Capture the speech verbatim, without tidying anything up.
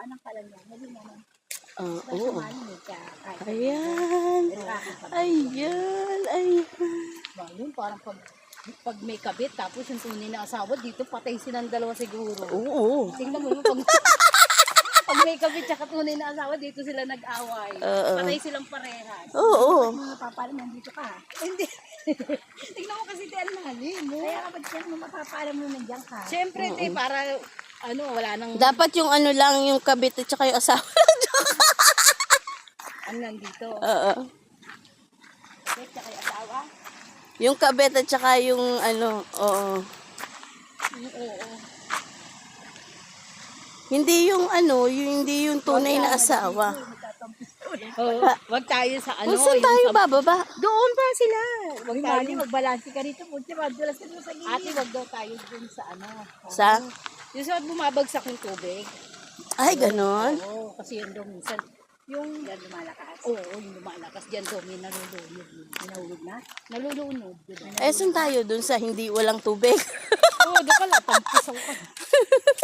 anong kalan niya. Hindi naman. Ah, Basta oo. malamig ka. Kahit Ayan. Ayan. Ayan. ba, yun parang pag, pag may kabit, tapos yung tunay na asawa, dito patay silang dalawa siguro. Oo. Tingnan mo yung pag, pag may kabit tsaka tunay na asawa, dito sila nag-away. Oo. Patay silang parehas. Oo. Mga papalam, nandito ka. Hindi. Tingnan mo kasi tayo lalim mo. Kaya kapag siya mo mapapalam mo nandiyan ka. Siyempre, te, para, ano, wala nang, Dapat yung ano lang, yung kabit at saka yung asawa. ano nandito. Oo. Kabit tsaka yung asawa. Yung kabit at saka yung ano, oo. Oo, oo. Hindi yung ano, yung, hindi yung tunay na asawa. Oh, wag tayo sa ano. Kung saan yung tayo sa- bababa? Doon pa sila. Wag Uy, tayo. Mali, magbalansi ka rito. Punti, madulas ka doon sa gilid. Ate, wag daw tayo dun sa ano. Sa? Yung sa bumabagsak yung tubig. Ay, ganon. Oo, kasi yun daw minsan. Yung, yan lumalakas. Oo, yung lumalakas. Diyan daw may nalulunod. Nahulog na? Nalulunod. Diba? Eh, saan tayo dun sa hindi walang tubig? Oo, doon ka lang. Pampisaw ka.